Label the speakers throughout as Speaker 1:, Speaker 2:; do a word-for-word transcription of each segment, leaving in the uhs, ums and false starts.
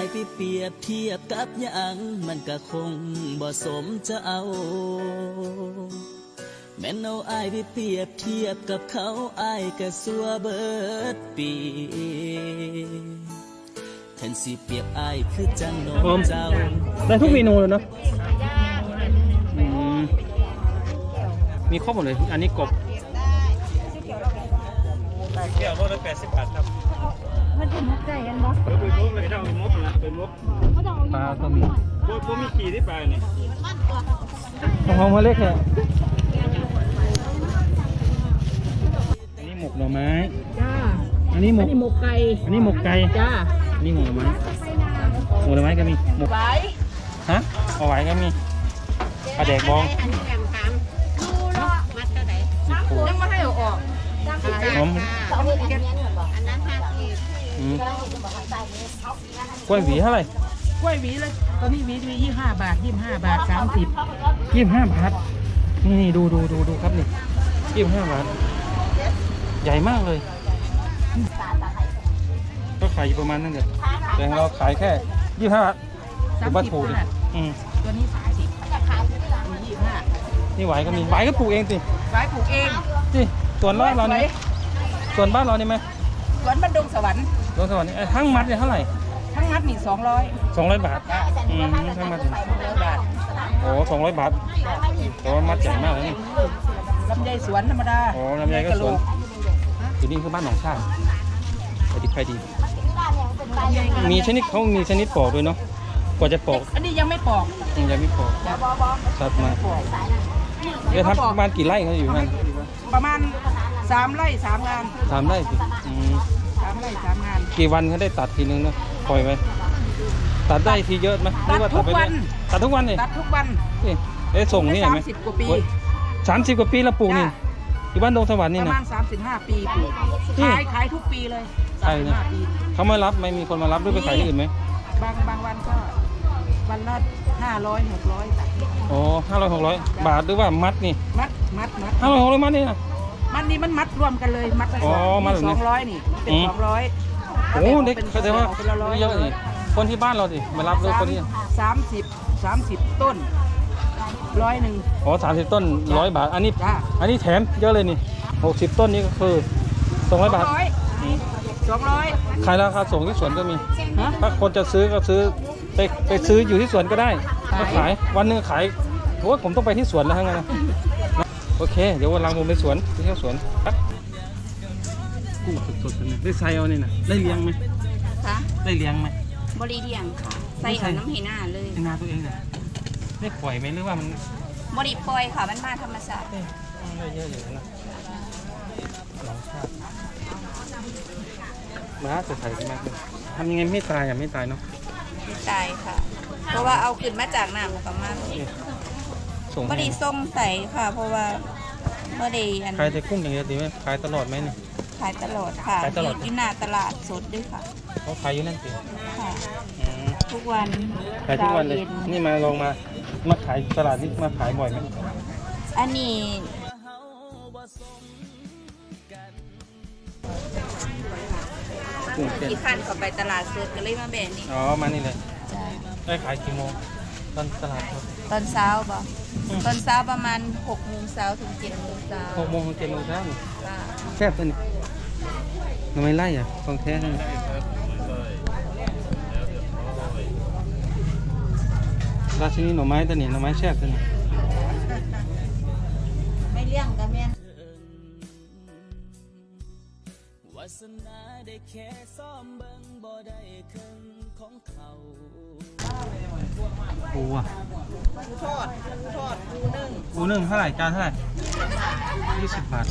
Speaker 1: ายไปเปรียบเทียบกับหยังมันก็คงบ่สมจะเอาแม่นเอาอายไปเปรียบเทียบกับเขาอายก็สัวเบิดปีแทนสิเปรียบอายคือจังน้องเจ้า
Speaker 2: ได้ทุกเมนูเลยเนาะมีครบหมดเลยอันนี้กบแก้วรถละแปดสิบบาทครับ
Speaker 3: มันเป็นมุกใจกันบ่
Speaker 2: เป็นมุกเลยเจ้าเป็นมุกนะเป็นมุกปลาก็มีพวกพวกมีขี่ที่ปลาเนี่ยของของมาเล็กเนี่ยอันนี้หมกหน่อไม้
Speaker 3: จ้า
Speaker 2: อันนี้หมก
Speaker 3: อันนี้หมกไก่
Speaker 2: อันนี้หมกไก่
Speaker 3: จ้า
Speaker 2: อันนี้หมกหน่อไม้หมกหน่อไม้ก็มีหมก
Speaker 3: ไว้
Speaker 2: ฮะเอาไว้ก็มีปลาแดกบอง
Speaker 3: ยังไม่ให้เอาออก
Speaker 2: หอม
Speaker 3: อันนั้นห้าสิบ
Speaker 2: กล้วยหวีเท่าไหร่
Speaker 3: กล้วยหวีเลยตอนนี้หวีมียี่ห้าบาทยี่ห้าบาทสามสิบ
Speaker 2: ยี่ห้าบาทนี่นี่ดูดูดูดูครับนี่ยี่ห้าบาทใหญ่มากเลยก็ขายอยู่ประมาณนั้นแหละแต่เราขายแค่ยี่ห้าถือว่าถูกดิ
Speaker 3: ตัวนี้สามสิบยี่ห้า
Speaker 2: นี่ไหวก็มีไหวก็ปลูกเองสิ
Speaker 3: ไหวปลูกเอง
Speaker 2: สิส่วนบ้านเราเนี่ยส่วนบ้านเรานี่ไหม
Speaker 3: สวนบ้านดงสวรรค์
Speaker 2: ดงสวรรค์นี่ทั้งมัดเนี่ยเท่าไหร่
Speaker 3: ทั้งมัดนี่สองร้อย
Speaker 2: สองร้อยบาทอืมทั้งมัดสองร้อยบาทโอ้สองร้อยบาทแต่ว่ามัดใหญ่มากเลยนี่
Speaker 3: ลำไยสวนธรรมดา
Speaker 2: โอ้ลำไยก็สวนอยู่นี่คือบ้านหนองชาติไปดีไปดีมีชนิดเขามีชนิดปอกด้วยเนาะกว่าจะปอก
Speaker 3: อันนี้ยังไม่ปอก
Speaker 2: ยังไม่ปอกสัตว์มาเดี๋ยวทำประมาณกี่ไร่เขาอยู่นั่น
Speaker 3: ประมาณสามไร่สามงาน
Speaker 2: สามไร่สิ
Speaker 3: สามไร่สามงาน
Speaker 2: กี่วันเขาได้ตัดทีนึงเนาะปล่อยไว้ตัดได้ทีเยอะไหม
Speaker 3: ตัดทุกวัน
Speaker 2: ตัดทุกวันเลย
Speaker 3: ตัดทุกวัน
Speaker 2: นี่เอ๊ะส่งนี่ไหม
Speaker 3: สามสิบกว่าปี
Speaker 2: สามสิบกว่าปีแล้วปลูกนี่อยู่บ้านดงสวรรค์นี่นะ
Speaker 3: ประมาณสามสิบห้าปีปลูกขายขายทุกปีเลย
Speaker 2: ใช่นะเขาไม่รับไม่มีคนมารับด้วยไปขายที่อื่นไหม
Speaker 3: บางบางวันก็วันละห้าร้อยหกร้อย
Speaker 2: โอ้ห้าร้อยหกร้อยบาทหรือว่ามัดนี่
Speaker 3: มัดมัดมัด
Speaker 2: ห้าร้อยหกร้อยมัดนี่นะ
Speaker 3: มัดนี่มันมัดรวมกันเลยมัด
Speaker 2: อ๋อมัด
Speaker 3: สองร้อยนี่เป็นสองร้อย
Speaker 2: โอ้เด็กเขาจะว่าเยอะนี่คนที่บ้านเราดิมารับด้วยคนนี้
Speaker 3: สามสิบสามสิบต้นร้อยหนึ่ง
Speaker 2: อ๋อสามสิบต้นร้อยบาทอันนี้อันนี้แถมเยอะเลยนี่หกสิบต้นนี้ก็คือสองร้อยบาท
Speaker 3: สองร้อย
Speaker 2: ขายราคาส่งที่สวนก็มีถ้าคนจะซื้อก็ซื้อไปไปซื้ออยู่ที่สวนก็ได้ก็ขายวันนึงขายโอ้ผมต้องไปที่สวนแล้วทั้งนั้นนะโอเคเดี๋ยววันหลังผมไปสวนไปเที่ยวสวนกุ้งสดๆเลยได้ไซเอาเนี่ยนะได้เลี้ยงไหม
Speaker 4: คะ
Speaker 2: ได้เลี้ยงไหม
Speaker 4: บริเลี้ยงค่ะใส่เอาน้ำเห็นหน้าเลย
Speaker 2: เห็นหน้าตัวเองเลยได้ปล่อยไหมหรือว่ามัน
Speaker 4: บริปล่อยค่ะมันมาธรรมชาติ
Speaker 2: ได้เยอะอยู่นะหลังชาติมาจะใส่กันมากเลยทำยังไงไม่ตายอ่ะไม่ตายเนาะ
Speaker 4: ไม่ตายค่ะเพราะว่าเอาขึ้นมาจากน้ำประมาณบริส่งใส่ค่ะเพราะว่าบริอัน
Speaker 2: ขายแต่กุ้งอย่างเดียวดีไหมขายตลอดไหมเนี่ย
Speaker 4: ขายตลอดค่ะอยู่หน้าตลาดสดด้วยค่ะ
Speaker 2: เขาขายอยู่นั่นสิ
Speaker 4: ค่ะทุกวัน
Speaker 2: ขายทุกวันเลยนี่มาลองมามาขายตลาดนี่มาขายบ่อยไหม
Speaker 4: อันนี้กี่ขั้นเขาไปตลาดสดกันเลยมาแบ่งนี่
Speaker 2: อ๋อมานี่เลยได้ขายกี่โมงตอนตลาด
Speaker 4: ตอนเช้าบ่ตอนเช้าประมาณหกโมงเช้าถึงเจ็ดโมงเช้า
Speaker 2: หกโมงถึงเจ็ดโมงเช้าแซ่บตัวนี้ทำไมไล่อ่ะของแท้เลยราชินีหน่อไม้ตัวนี้หน่อไม้แซ่บตัวนี้
Speaker 4: ไม่เลี้ยงกันแม่
Speaker 2: ปูอ่ะ
Speaker 3: ปูทอดปูทอดปูนึ่ง
Speaker 2: ปูนึ่งเท่าไหร่จานเท่าไหร่ยี่สิบบาท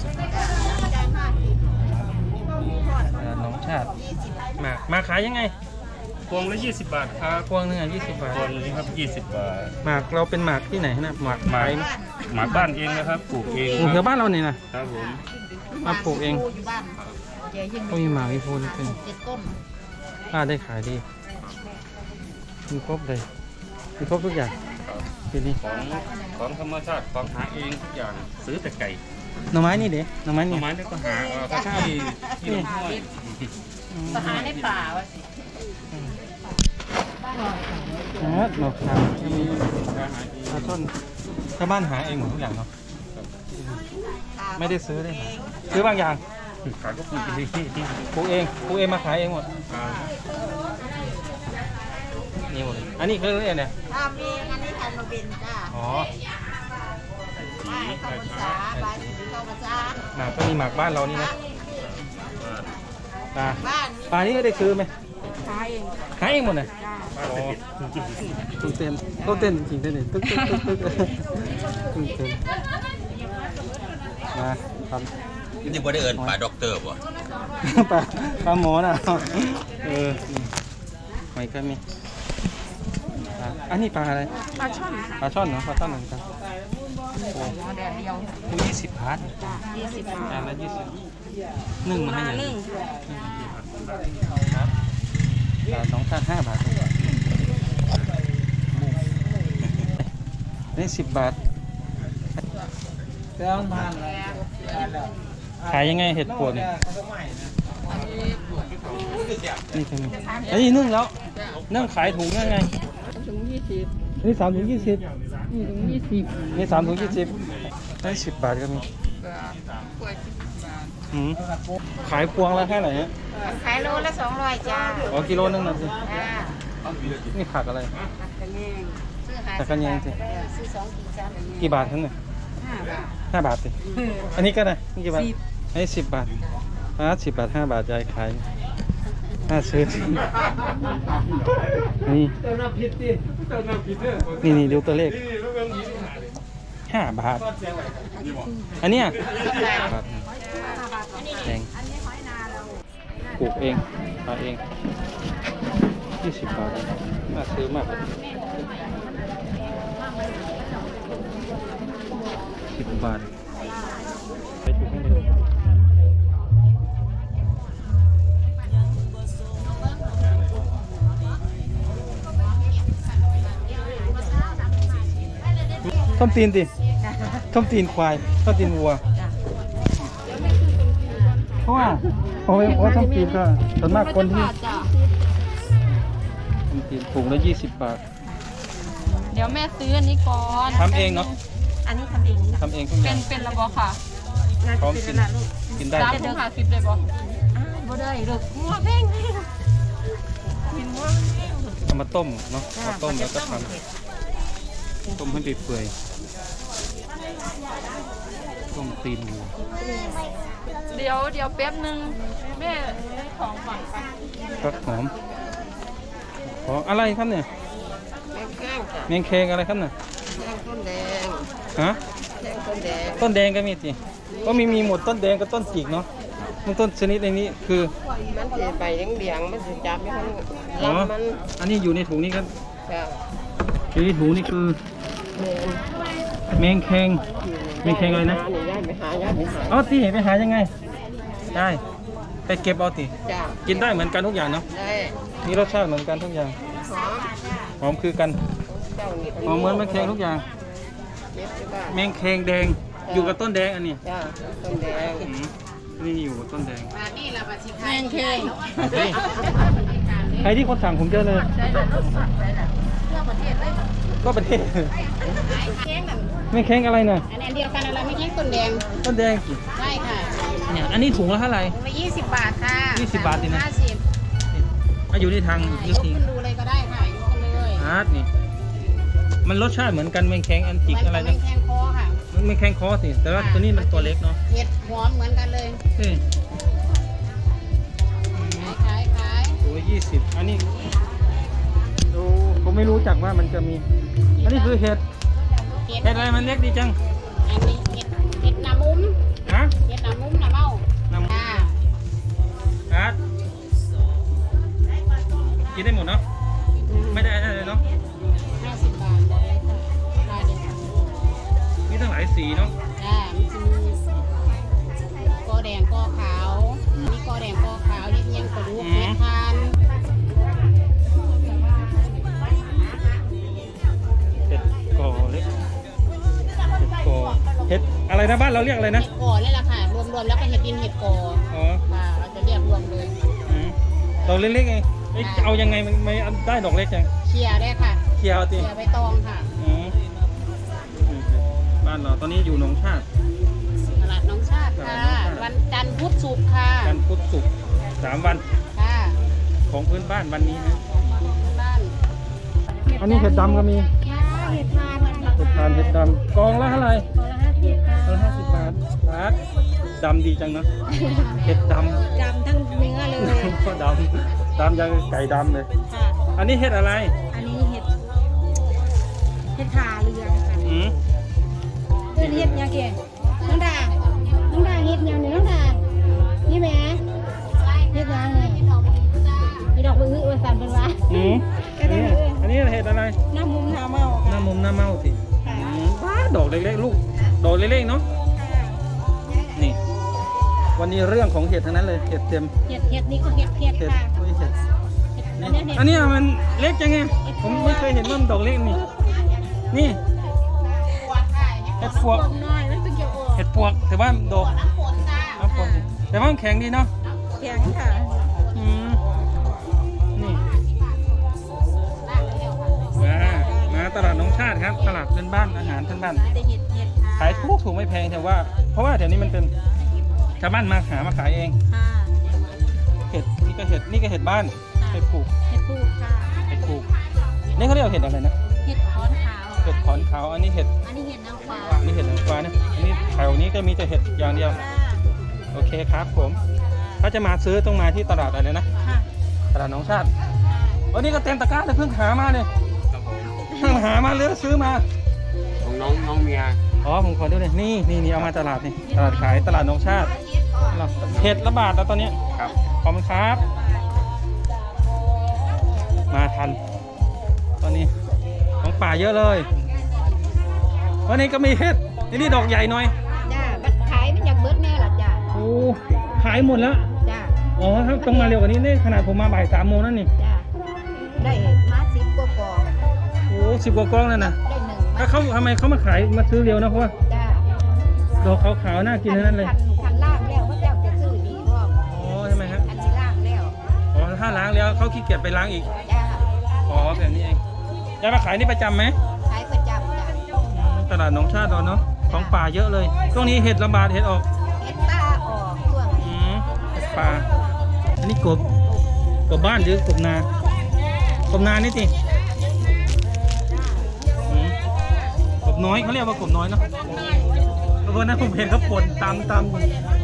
Speaker 2: น้องชาติมามาขายยังไง
Speaker 5: พวงละยี่สิบบาทครับ
Speaker 2: พวงนึงอ่ะยี่สิบบาท
Speaker 5: พวงนี้ครับยี่สิบบาท
Speaker 2: หมากเราเป็นหมากที่ไหนนะหมาก
Speaker 5: หมากหมากบ้านเองนะครับปลูกเอง
Speaker 2: ปลูกแถวบ้านเราเนี่ยนะครับ
Speaker 5: ผม
Speaker 2: มาปลูกเองก็มีหมากมีโพนเป็นป้าได้ขายดีมีครบเลยมีครบทุกอย่างทีนี้
Speaker 5: ของของธรรมชาติของหาเองทุกอย่างซื้อแต่ไก่
Speaker 2: หน่อไม้นี่เด็หน่อไม้
Speaker 5: นี่
Speaker 2: หน่อ
Speaker 5: ไม้นี่ก็หาที่ที่ลำห้วย
Speaker 4: หาในป่าวะสิ
Speaker 2: ฮะหนอกครับจะมีปลาช่อนชาวบ้านหาเองหมดทุกอย่างเนาะไม่ได้ซื้อได้หาซื้อบางอย่าง
Speaker 5: ขายก็ปลูกที่ที่ที่
Speaker 2: ปลูกเองปลูกเองมาขายเองหมดนี่หมดเลยอันนี้คืออะไรเนี่ย
Speaker 3: ทำเองอันนี้ทำมาเป็นจ้า
Speaker 2: อ๋อ
Speaker 3: บ้านข้าวภาษาบ้านสีข้าวภาษา
Speaker 2: หมากก็มีหมากบ้านเรานี่นะปลา
Speaker 3: บ้าน
Speaker 2: ปลานี่ก็ได้ซื้อไหม
Speaker 3: ขายเอง
Speaker 2: ขายเองหมดเลย
Speaker 3: จ้า
Speaker 2: อ๋อตุ้งเต้นตุ้งเต้นจริงเต้นเลยตึ๊กตึ๊กตึ๊กตึ๊กตุ้งเต้นมาทำ
Speaker 6: นี่บ่ได้เอินป่าด็อกเตอร์บ่
Speaker 2: ปลาปลาหมอน่ะเออนี่หอยก็มีอ่ะอันนี้ปลาอะไร
Speaker 3: ปลาช่อนค่ะ
Speaker 2: ปลาช่อนเนาะปลาช่อนเหมือนกันโอ้
Speaker 3: หมูแดดเดียว
Speaker 2: คูยี่สิบบาท
Speaker 3: ยี่สิบบาท
Speaker 2: จานละยี่สิบนึ่งมาให้อย่าง
Speaker 3: นึ่ง
Speaker 2: ครับจานสองจานห้าบาทนี่สิบบาทขายยังไงเห็ดปวดเนี่ยนี่คืออันนี้นึ่งแล้วนึ่งขายถุงยังไง
Speaker 3: ถุงยี่สิบ
Speaker 2: นี่สามถุงยี่สิบ
Speaker 3: นี่ถุงยี่สิบ
Speaker 2: นี่สามถุงยี่สิบได้สิบบาทก็มี
Speaker 3: กล้วยสิบบาท
Speaker 2: อืมขายพวงละแค่ไหนฮะ
Speaker 3: ขายโลละสองร้อยจ้า
Speaker 2: อ๋อกิโลนึงนะสิ
Speaker 3: จ้า
Speaker 2: นี่ผักอะไร
Speaker 3: ผักกระแยงซื้อหา
Speaker 2: ผักกระแยงสิ
Speaker 3: ซื้อสองกี่จานกระแยง
Speaker 2: กี่บาทท่านเนี่ย
Speaker 3: ห้าบาท
Speaker 2: ห้าบาทสิอันนี้ก็ได้นี่กี่บาทอันนี้สิบบาทอ่าสิบบาทห้าบาทยายขายน่าซื้อนี่นี่นี่ดูตัวเลขห้าบาทอันเนี้ยบาทแพงปลูกเองทำเองยี่สิบบาทน่าซื้อมากสิบบาทไปถูกให้เลยต้มตีนดิต้มตีนควายต้มตีนวัวเพราะว่าเพราะว่าต้มตีนก็ส่วนมากคนที่ต้มตีนถุงละยี่สิบบาท
Speaker 7: เดี๋ยวแม่ซื้ออันนี้ก่อน
Speaker 2: ทำเองเนาะ
Speaker 3: อันนี้ทำเองจ้ะ
Speaker 2: ทำเองทุกอ
Speaker 7: เป็
Speaker 2: ย่าน ง
Speaker 7: เป็นระบอค่ะ
Speaker 2: พร้อมกินกินได้
Speaker 7: สามถุงห้าสิบเลยบอ
Speaker 3: บ่ได้ลูกงัวแพงกินงัวแพง
Speaker 2: เอามาต้มเนาะมาต้มแล้วก็ทำต้มให้เปื่อยๆต้มตีนวัว
Speaker 7: เดี๋ยวเดี๋ยวแป๊บนึงแม่ซื้อของก่อนไป
Speaker 2: ฟักหอมขออะไรครับเนี่ย
Speaker 3: แพงแพงจ้ะ
Speaker 2: เมงเคงอะไรครับเนี่ย
Speaker 3: แพงต้นแดง
Speaker 2: ฮะ
Speaker 3: แพงต้นแดง
Speaker 2: ต้นแดงก็มีสิก็มีมีหมดต้นแดงกับต้นจิกเนาะมันต้นชนิดในนี้คือ
Speaker 3: มันสิใบเหลืองๆมันสิจับไม่ทัน
Speaker 2: อ๋อ
Speaker 3: ลำมัน
Speaker 2: อันนี้อยู่ในถุงนี้ครับ
Speaker 3: จ้ะ
Speaker 2: อยู่ในถุงนี่คือ
Speaker 3: แม่น
Speaker 2: เมงเคงเมงเคงอะไรนะ
Speaker 3: หานี่ย้ายไปหาย้ายไปหา
Speaker 2: เอาที่เห็นไปหายังไงได้ไปเก็บเอาติ
Speaker 3: จ้ะ
Speaker 2: กินได้เหมือนกันทุกอย่างเนาะ
Speaker 3: ได้
Speaker 2: มีรสชาติเหมือนกันทุกอย่าง
Speaker 3: หอม
Speaker 2: หอมคือกัน
Speaker 3: เจ้านี่
Speaker 2: หอมเหมือนเมงเคงทุกอย่าง
Speaker 3: เก็บที่บ้าน
Speaker 2: เมงเคงแดงอยู่กับต้นแดงอันนี้
Speaker 3: จ้ะต้นแดง
Speaker 2: อืมนี่อยู่กับต้นแดง
Speaker 3: แพงแพง
Speaker 2: ใครที่คนสั่งผมเยอะเลยก็ประเทศไม่แข้งอะไรน่ะ
Speaker 3: อันนี้เดียวกันอะไรไม่ใช่ต้นแดง
Speaker 2: ต้นแดงสิ
Speaker 3: ใช่ค่ะ
Speaker 2: เนี่ยอันนี้ถุงละเท่าไหร่
Speaker 3: ถุงละยี่สิบบาทค่ะ
Speaker 2: ยี่สิบบาทดินะ
Speaker 3: ห้าสิบ
Speaker 2: อ่ะอยู่ในทาง
Speaker 3: ย
Speaker 2: ยุ
Speaker 3: ก
Speaker 2: ที
Speaker 3: ขึ้นดูเลยก็ได้ค่ะยกขึ้นเลย
Speaker 2: อาร์ตนี่มันรสชาติเหมือนกันแมงแข้งอันจิกอะไร
Speaker 3: ไม่
Speaker 2: นะ
Speaker 3: แข็งคอค่ะ
Speaker 2: มันไม่แข้งคอสิแต่ว่าตัวนี้มันตัวเล็กเนาะ
Speaker 3: เห็ดหอมเหมือนกันเลย
Speaker 2: เฮ้ย
Speaker 3: ขายขายขาย
Speaker 2: ถุงละยี่สิบอันนี้ดูผมไม่รู้จักว่ามันจะมี อันนี้คือเห็ด
Speaker 3: เห็ด
Speaker 2: เห็ดอะไรมันเล็กดีจัง
Speaker 3: อันนี้เห็ดเห็ดหนามุ้ม
Speaker 2: ฮะ
Speaker 3: เห็ดหนามุ้มหนาเมา
Speaker 2: น้ำ
Speaker 3: ค่ะ
Speaker 2: อาร์ตกินได้หมดเนาะไม่ได้อะไรเลยเนาะ
Speaker 3: ห้าสิบบาทเลยค่ะได้เลยค่ะ
Speaker 2: มีตั้งหลายสีเนาะ
Speaker 3: จ้ามันจะมีกอแดงกอขาวมีกอแดงกอขาวเห็ดเยังกระดูกเห็ดทาน
Speaker 2: เห็ดกอเล็กเห็ดกอเห็ดอะไรนะบ้านเราเรียกอะไรนะ
Speaker 3: เห็ดกอนี่แหละค่ะ รวมๆแล้วก็เห็ดดินเห็ดกอ
Speaker 2: อ๋อ
Speaker 3: ค่ะเราจะเรียกรวมเลย
Speaker 2: อืมตัวเล็กๆไง
Speaker 3: จ
Speaker 2: เอ้ยเอายังไงมันไม่ได้ดอกเล็กยัง
Speaker 3: เคลียร์ได้ค่ะ
Speaker 2: เคลียร์เอา
Speaker 3: เค
Speaker 2: ติ
Speaker 3: ลียร์ใบตองค่ะ
Speaker 2: อืมบ้านเราตอนนี้อยู่หนองชาติ
Speaker 3: ตลาดน้องชาติค่ะ วันจันทร์พุธศุกร์ค่ะ
Speaker 2: กันพุธศุกร์สามวัน
Speaker 3: ค่ะ
Speaker 2: ของพื้นบ้านวันนี้นะ
Speaker 3: บ้าน
Speaker 2: อันนี้เห็ดดำก็มี
Speaker 3: ค่ะเห็ดทานนะคะ
Speaker 2: เห็ดทานเห็ดดำกองละเท่าไหร่
Speaker 3: กองละห้าสิบค่ะ
Speaker 2: กองละห้าสิบบาทบาทดำดีจังนะเห็ดดำ
Speaker 3: จำทั้งเนื้อเลย
Speaker 2: ก็ดำดำยังไก่ดำเลย
Speaker 3: ค่ะ
Speaker 2: อันนี้เห็ดอะไร
Speaker 3: อันนี้เห็ดเห็ดขาเรือค่ะ
Speaker 2: อืม
Speaker 3: เพื่อนเห็ดยังเก๋น้องดาน้องดาเห็ดยังเนี่ยน้องดานี่แหม่เห็ดยังเนี่ยมีดอกมือวันสันเป็นวะ
Speaker 2: อืมอันนี้อันนี้เห็ดอะไร
Speaker 3: น้ำมุมน้ำเมา
Speaker 2: หน้ามุมหน้าเมาสิอืมว้าดอกเล็กๆลูกดอกเล็กๆเนาะนี่ วันนี้เรื่องของเห็ดทั้งนั้นเลยเห็ดเต็ม
Speaker 3: เห็ดเห็ดนี่ก็เห็ดเห็ด
Speaker 2: เห็ด
Speaker 3: ค่ะ
Speaker 2: อุ้ยเห็ด
Speaker 3: อั
Speaker 2: นี่
Speaker 3: นนี้เห็ด
Speaker 2: อันนี้มันเล็กจังไงผมไม่เคยเห็นว่ามันดอกเล็กนี่นี่เห็ดปวก
Speaker 3: น้อยมันเป็นเกี่ยวกับ
Speaker 2: เห็ดปวกแต่ว่าดอกน้ำฝนแต่ว่ามันแข็งดีเนาะ
Speaker 3: แข็งค่ะ
Speaker 2: อืมนี่มามาตลาดน้องชาติครับตลาดเป็นบ้านอาหารเป็นบ้าน
Speaker 3: แต่เห็ดเห็ดค่ะ
Speaker 2: ขายถูกถูกไม่แพงแต่ว่า เพราะว่าแถวนี้มันเป็นชาวบ้านมาหามาขายเอง
Speaker 3: ค่ะ
Speaker 2: เห็ดนี่ก็เห็ดนี่ก็เห็ดบ้านเห็ดปลูก
Speaker 3: เห็ดปูค่ะ
Speaker 2: เห็ดปลูกนี่เขาเรียกว่าเห็ดอะไรนะ
Speaker 3: เห็ดขอนขาว
Speaker 2: เห็ดขอนขาวอันนี้เห็ด
Speaker 3: อันนี้เห็ดนางฟ้า
Speaker 2: อันนี้เห็ดนางฟ้านะอันนี้แถวนี้ก็มีแต่เห็ดอย่างเดียว
Speaker 3: ค่ะ
Speaker 2: โอเคครับผมถ้าจะมาซื้อต้องมาที่ตลาดอะไรนะ
Speaker 3: ค่ะ
Speaker 2: ตลาดหนองชาติวันนี้ก็เต็มตะกร้าเลยเพิ่งหามาเลย
Speaker 5: ครับผม
Speaker 2: เพิ่งหามาเลยซื้อมา
Speaker 5: ของน้องน้องเมีย
Speaker 2: อ๋อผมขอดูเลยนี่นี่นี่เอามาตลาดนี่ตลาดขายตลาดหนองชาติเห็ดระบาดแล้วตอนนี้
Speaker 5: ครับ
Speaker 2: ขอบคุณครับ มาทัน ตอนนี้ของป่าเยอะเลย วันนี้ก็มีเห็ดนี่นี่ดอกใหญ่หน่อย
Speaker 3: จ้าบัดขายมันอยากเบิดแน่ล่ะจ้า
Speaker 2: โอ้ขายหมดแล้ว
Speaker 3: จ้า
Speaker 2: อ๋อครับต้องมาเร็วกว่านี้นี่ขนาดผมมาบ่ายสามโมงนั่นนี่
Speaker 3: จ้าได้มาสิบกว่ากอง
Speaker 2: โอ้สิบกว่ากล้องนั่นนะ
Speaker 3: ได้หนึ่ง
Speaker 2: ถ้าเขาทำไมเขามาขายมาซื้อเร็วนะเพราะว่า
Speaker 3: จ้า
Speaker 2: ดอกขาวๆน่ากินทั้งนั้นเลย
Speaker 3: คันคันล่างแล้วพระเจ้าจะซื้อดีพ่อ
Speaker 2: อ๋อใช่ไหมครับ
Speaker 3: อันนี้ล่างแล้ว
Speaker 2: อ๋อถ้าล้างแล้วเขาขี้เกียจไปล้างอีก
Speaker 3: จ้า
Speaker 2: อ๋อแบบนี้เองยายมาขายนี่ประจำไหม
Speaker 3: ขายประจำจ้า
Speaker 2: อืมตลาดหนองชาติเราเนาะของป่าเยอะเลยช่วงนี้เห็ดระบาดเห็ดออก
Speaker 3: เห็ดตาออกช่วง
Speaker 2: อืมเห็ดป่าอันนี้กบกบบ้านหรือกบนากบนานี่สิอืมกบน้อยเขาเรียกว่ากบน้อยเนาะแล้วก็นั้นผมเห็นเขาป่นตำตำ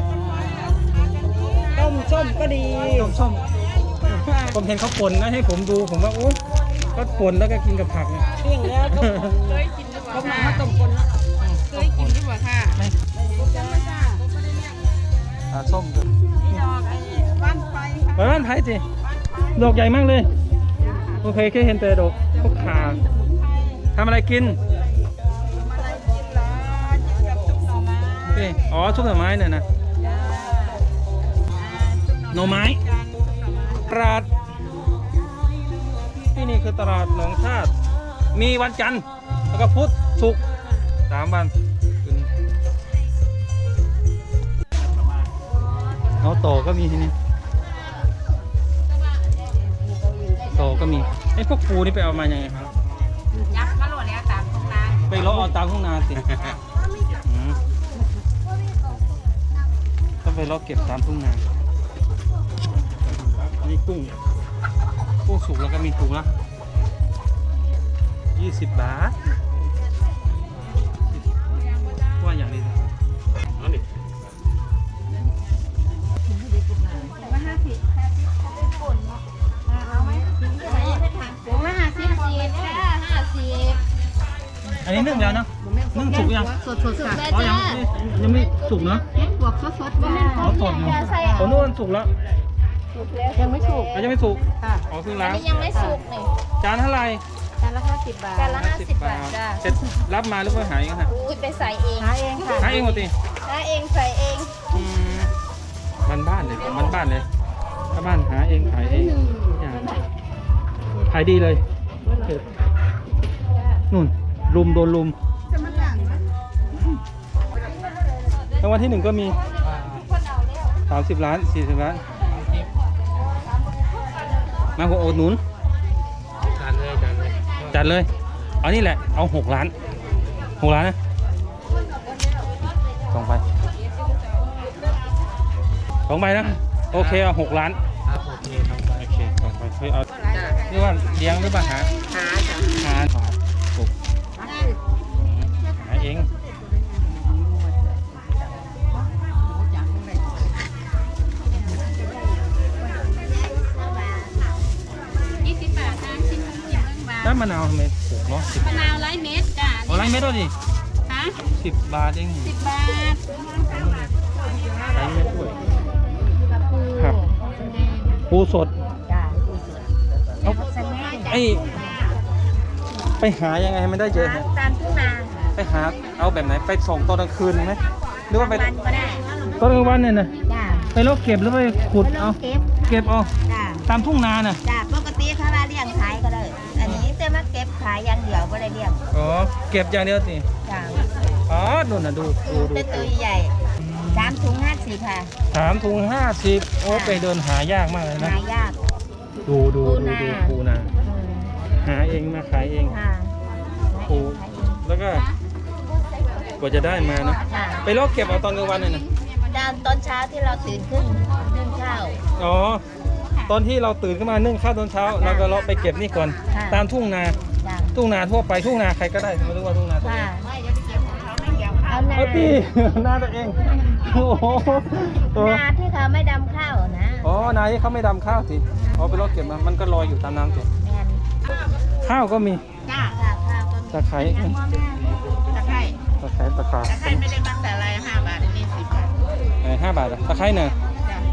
Speaker 3: ต้มส้มก็ดี
Speaker 2: ต้มส้มผมเห็นเขาป่นนะให้ผมดูผมว่าโอ้ก็ป่นแล้วก็กินกับผักเนี่ย
Speaker 3: เที่ยงแล้วต้มเคยกินดีกว่าเขามาต้มคนละเคยกินดีกว่าค่ะ
Speaker 2: ปลาส้มด้วย
Speaker 3: ดอกไอ้บ้านไฟค่ะ
Speaker 2: ไปบ้านไผ่สิดอกใหญ่มากเลยโอเคแค่เห็นแต่ดอกพวกขาทำอะไรกิน
Speaker 3: อะไรกินเหรอกินกับซุปหน่อไม้
Speaker 2: นี่อ๋อซุปหน่อไม้เนี่ยนะหน่อไม้ตลาดที่นี่คือตลาดหนองชาติมีวันจันทร์แล้วก็พุธศุกร์สามวันเอาโตก็มีที่นี่โตก็มีไอ้พวกปูนี่ไปเอามายังไงครับ
Speaker 3: ยักษ์มาโหลดแล้วตามตรงนั้น
Speaker 2: ไปเลาะเอาตามทุ่งนาสิอืมต้องไปเลาะเก็บตามทุ่งนาอันนี้กุ้งกุ้งสุกแล้วก็มีถุงละยี่สิบบาทว่าอย่างนี้
Speaker 5: นั่นดิ
Speaker 3: ว่าห้าสิบห้าสิบคนเอาไหมถุงละห้าสิบสี่ค่ะห้าสิบ
Speaker 2: อันนี้นึ่งแล้วเนาะนึ่งสุกยัง
Speaker 3: สดสดค่ะ
Speaker 2: อ๋อยังยังไม่สุกเนาะ
Speaker 3: เฮ็ดบวกสดสดบ้าง
Speaker 2: อ๋อสดเนาะผมนึกว่าสุกแล้ว
Speaker 3: ยังไม่สุก
Speaker 2: อ๋อยังไม่สุก
Speaker 3: ค่ะ
Speaker 2: อ๋อเพิ่งล้าง
Speaker 7: ยังไม่สุกเลย
Speaker 2: จานเท่าไหร่
Speaker 3: จานละห้าสิบบาท
Speaker 7: จานละห้าสิบบาทจ้า
Speaker 2: เสร็จรับมาหรือว่าหายกันฮะ
Speaker 7: อุ้ยไปใส่เอง
Speaker 3: หาเองค่ะ
Speaker 2: หายเองหมดที
Speaker 7: หาเองใส่เอง
Speaker 2: อืมบ้านบ้านเลยบ้านบ้านเลยถ้าบ้านหาเองขายเองทุกอย่างขายดีเลยเผ็ดนู่นลุมโดนลุมรางวัลที่หนึ่งก็มีสามสิบล้านสี่สิบล้านมาหัวโอดหนุน
Speaker 5: จานเลยจานเลย
Speaker 2: จัดเลยเอานี่แหละเอาหกล้านหกล้านนะสองใบสองใบนะโอเคเอาหกล้าน
Speaker 5: ครับโอเคครับ
Speaker 2: โอเคสองใบเฮ้ยเอาเรียกว่าเลี้ยงหรือเปล่าหาหาหาถูกหาเอง
Speaker 3: ยี่สิบบาทนะชิ้นหนึ่งยี่สิบบาท
Speaker 2: น้ำมะนาวทำไมถูกเนาะสิบ
Speaker 3: มะนาวไร้เม็ดจ้ะ
Speaker 2: เอาไรเม็ดด้วยดิ
Speaker 3: ฮะ
Speaker 2: สิบบาทเอง
Speaker 3: สิบบาท
Speaker 2: ไรเม็ดด้วยครับปูสด
Speaker 3: จ้ะ
Speaker 2: เอาไอไปหายังไงให้มันได้เยอะฮะ
Speaker 3: ตามทุ่งนา
Speaker 2: ไปหาเอาแบบไหนไปส่งตอนกลางคืนไหมหรือว่าไป
Speaker 3: วันก็ได้
Speaker 2: ตอนกลางวันเนี่ยนะ
Speaker 3: จ้ะ
Speaker 2: ไปลกเก็บหรือไปขุด
Speaker 3: ไปล
Speaker 2: เอา
Speaker 3: งเก็บ
Speaker 2: เก็บเอา
Speaker 3: จ้ะ
Speaker 2: ตามทุ่งนาน่ะ
Speaker 3: จ้ะปกติเขาว่าเลี้ยงขายก็ได้อันนี้จะมาเก็บขายอย่างเดียวก็ได้เลี้ยง
Speaker 2: อ๋อเก็บอย่างเดียวสิ
Speaker 3: จ้ะ
Speaker 2: อ๋อดูน่ะดูดูดู
Speaker 3: เป็นตัวใหญ่สามถุงห้าสิบค่ะ
Speaker 2: สามถุงห้าสิบโอ้ไปเดินหายากมากเลยนะ
Speaker 3: หายาก
Speaker 2: ดูดูดูดูปูนา
Speaker 3: อืม
Speaker 2: หาเองมาขายเอง
Speaker 3: ค่ะ
Speaker 2: ปูแล้วก็กว่าจะได้มานะ
Speaker 3: ค่ะ
Speaker 2: ไปลกเก็บเอาตอนกลางวันเนี่ยนะ
Speaker 3: ตอนตอนเช้าที่เราตื่นขึ้นนึ่งข้าว
Speaker 2: อ๋อตอนที่เราตื่นขึ้นมานึ่งข้าวตอนเช้าเราก็เลาะไปเก็บนี่ก่อน
Speaker 3: ค่ะ
Speaker 2: ตามทุ่งนา
Speaker 3: จ้ะ
Speaker 2: ทุ่งนาทั่วไปทุ่งนาใครก็ได้ไม่รู้ว่าทุ่งนาตัว
Speaker 3: ค่ะ
Speaker 2: เอง
Speaker 3: เอานา
Speaker 2: เอาตี นาตัวเองโอ้โหตัว
Speaker 3: นาที่เขาไม่ดำข้าวนะ
Speaker 2: อ๋อนาที่เขาไม่ดำข้าวสิอ๋อไปเลาะเก็บมามันก็ลอยอยู่ตามน้ำสิ
Speaker 3: แมน
Speaker 2: ข้าวก็มี
Speaker 3: จ้าค่ะข้าวก็
Speaker 2: ตะไคร้
Speaker 3: พ่อแม่ตะไคร้
Speaker 2: ตะไคร้ตะขา
Speaker 3: ตะไคร้ไม่ได้ตั้งแต่อะไรห้าบาทนี่สิบบาท
Speaker 2: เออห้าบาทอะตะไคร้เนอะ
Speaker 3: จ้ะ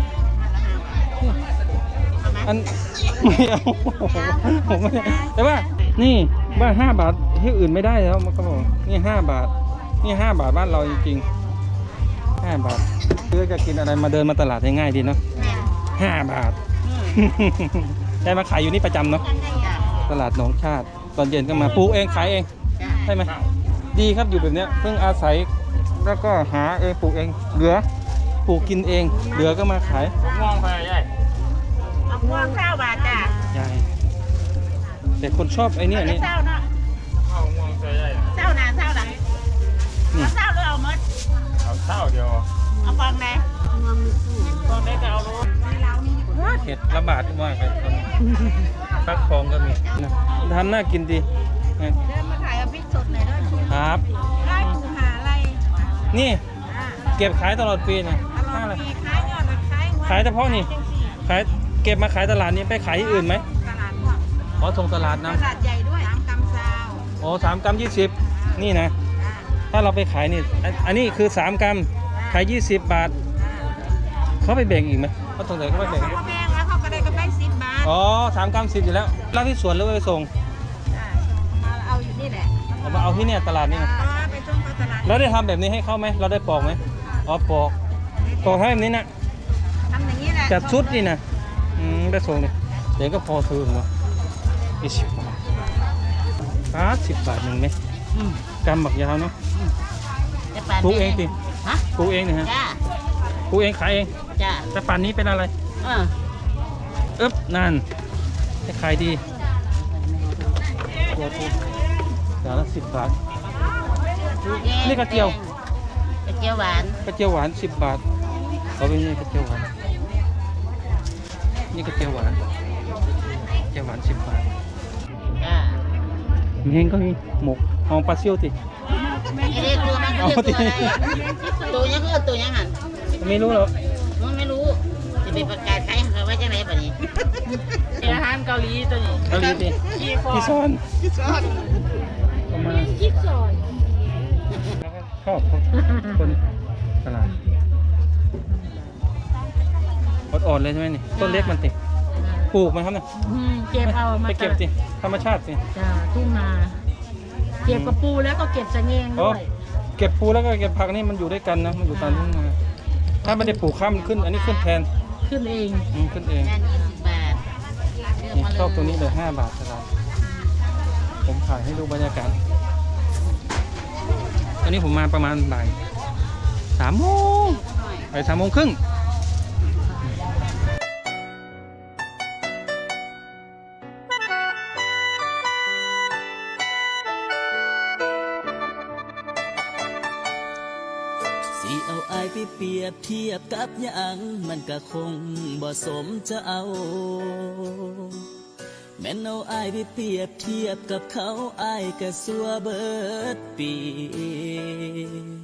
Speaker 3: ห้าละห้าบาท
Speaker 2: อันไม่เอาผมไม่ได้แต่ว่านี่ว่าห้าบาทที่อื่นไม่ได้แล้วมันก็บอกนี่ห้าบาทนี่ห้าบาทบ้านเราจริงๆห้าบาทซื้อจะกินอะไรมาเดินมาตลาดง่ายๆดีเนาะ
Speaker 3: แม่น
Speaker 2: ห้าบาท ได้มาขายอยู่นี่ประจำเนาะ
Speaker 3: จ้ะ
Speaker 2: ตลาดหนองชาติตอนเย็นก็มาปลูกเองขายเอง
Speaker 3: จ้ะ
Speaker 2: ใช่ไหมดีครับอยู่แบบเนี้ยเพิ่งอาศัยแล้วก็หาเองปลูกเองเหลือปลูกกินเองเหลือก็มาขาย
Speaker 5: มองไปใหญ่
Speaker 3: เอาพวงข้าวบาทจ้ะ
Speaker 2: ยายแต่คนชอบไอ้เนี่ยนี่
Speaker 3: เศร้าเนาะ
Speaker 5: เข้ามองไปใหญ่
Speaker 3: เศร้าหนาเศร้าหลัง
Speaker 2: นี่
Speaker 3: เอาเศร้าหรือเอามด
Speaker 5: เอาเท่าเดียว
Speaker 3: เอาฟองไหนฟองไหนก็เอาลูก
Speaker 2: เห็ดระบาดมากเลยตอนนี้ฟักทองก็มีนะทำน่ากินดีนะ
Speaker 3: เดินมาขายเอาพริกสดหน่อยด้วย
Speaker 2: ครับ
Speaker 3: ไล่ปูหาอะไร
Speaker 2: นี่
Speaker 3: อ่า
Speaker 2: เก็บขายตลอดปีนะ
Speaker 3: ตลอดปีขายยอดขายงวด
Speaker 2: ขายเฉพาะนี่
Speaker 3: จังสี่
Speaker 2: ขายเก็บมาขายตลาดนี้ไปขายที่อื่นไหม
Speaker 3: ตลาดพวก
Speaker 2: ขอส่งตลาด
Speaker 3: ต
Speaker 2: นะ
Speaker 3: ลาดใหญ่ด้วยสามกำซาว
Speaker 2: โอ้สามกรัมยี่สิบนี่นะ
Speaker 3: อ่า
Speaker 2: ถ้าเราไปขายนี่อันอันนี้คือสามกรัมขายยี่สิบบาท เขาไปแบ่งอีกไหมเขาสงสัยเขาไปแบ่ง
Speaker 3: เขาแบ่งแล้วเขาก็ได้กำไรสิบบาท
Speaker 2: อ๋อสามกรัมสิบอยู่แล้วรับที่สวนหรือว่าไปส่ง
Speaker 3: อ่ามาเอาอยู่นี่แหละ
Speaker 2: เอามาเอาที่เนี่ยตลาดนี่นะ
Speaker 3: อ๋อไปส่งเขาตลาด
Speaker 2: เราได้ทำแบบนี้ให้เขาไหมเราได้ปอกไหมอ๋อปอกปอกให้แบบนี้นะ
Speaker 3: ทำอย่างนี้แหละ
Speaker 2: จัดชุดนี่นะอืมได้ส่งเลยเดี๋ยวก็พอซื้อหมดอีสิบบาทป้าสิบบาทหนึ่งไหมกำบักยาวเนาะปลูกเองสิ
Speaker 3: ฮะ
Speaker 2: ปลูกเองเนี่ยฮะ
Speaker 3: จ้า
Speaker 2: ปลูกเองขายเอง
Speaker 3: จ้า
Speaker 2: แต่ป่านนี้เป็นอะไร
Speaker 3: เออ
Speaker 2: อึ๊บนั่นจะขายดีตัวทุกอย่างละสิบบาท นี่กระเจียว
Speaker 3: กระเจียวหวาน
Speaker 2: กระเจียวหวานสิบบาทเอาไปนี่กระเจียวหวานนี่กระเจียวหวานกระเจียวหวานสิบบาท
Speaker 3: จ้า
Speaker 2: มีเฮงก็มีหมกหอมปลาเซี่ยวติ
Speaker 3: ไม่ได้ตัวมัน
Speaker 2: เอา
Speaker 3: คือ
Speaker 2: ดิ
Speaker 3: ตัวอะไรตัวยังคือตัวยังหัน
Speaker 2: ไม่รู้หรอก
Speaker 3: มันไม่รู้จะไปประกาศขายเขาไว้จังไรแบบนี้
Speaker 7: อาหารเกาหลีตัวนี้
Speaker 2: เกาหลีติพี่ซอนประมาณ
Speaker 7: คิดซอย
Speaker 2: ชอบคนตลาดอ่อนๆเลยใช่ไหมนี่ต้นเล็กมันติปลูกไหมครับเนี่ย
Speaker 7: อืมเก็บเอามา
Speaker 2: ไปเก็บสิธรรมชาติสิ
Speaker 7: จ้าทุ่งนาเก็บกระปูแล้วก็เก็บสะเงง
Speaker 2: อ๋อ
Speaker 7: ด้วย
Speaker 2: เก็บปูแล้วก็เก็บผักนี่มันอยู่ด้วยกันนะมันอยู่ตามทุ่งนาถ้าไม่ได้ปลูกข้ามนขึ้น อันนี้ขึ้นแทน
Speaker 7: ขึ้นเอง
Speaker 2: อืมขึ้นเอง
Speaker 3: งานยี่สิบบาท
Speaker 2: นี่ชอบตัวนี้เลยห้าบาทตลาดผมถ่ายให้ดูบรรยากาศอันนี้ผมมาประมาณบ่ายสามโมงบ่ายสามโมงครึ่ง
Speaker 1: สิเอาอายไปเปรียบเทียบกับหยังมันก็คงบ่สมจะเอาแม่นเอาอายไปเปรียบเทียบกับเขาอายก็สัวเบิดปี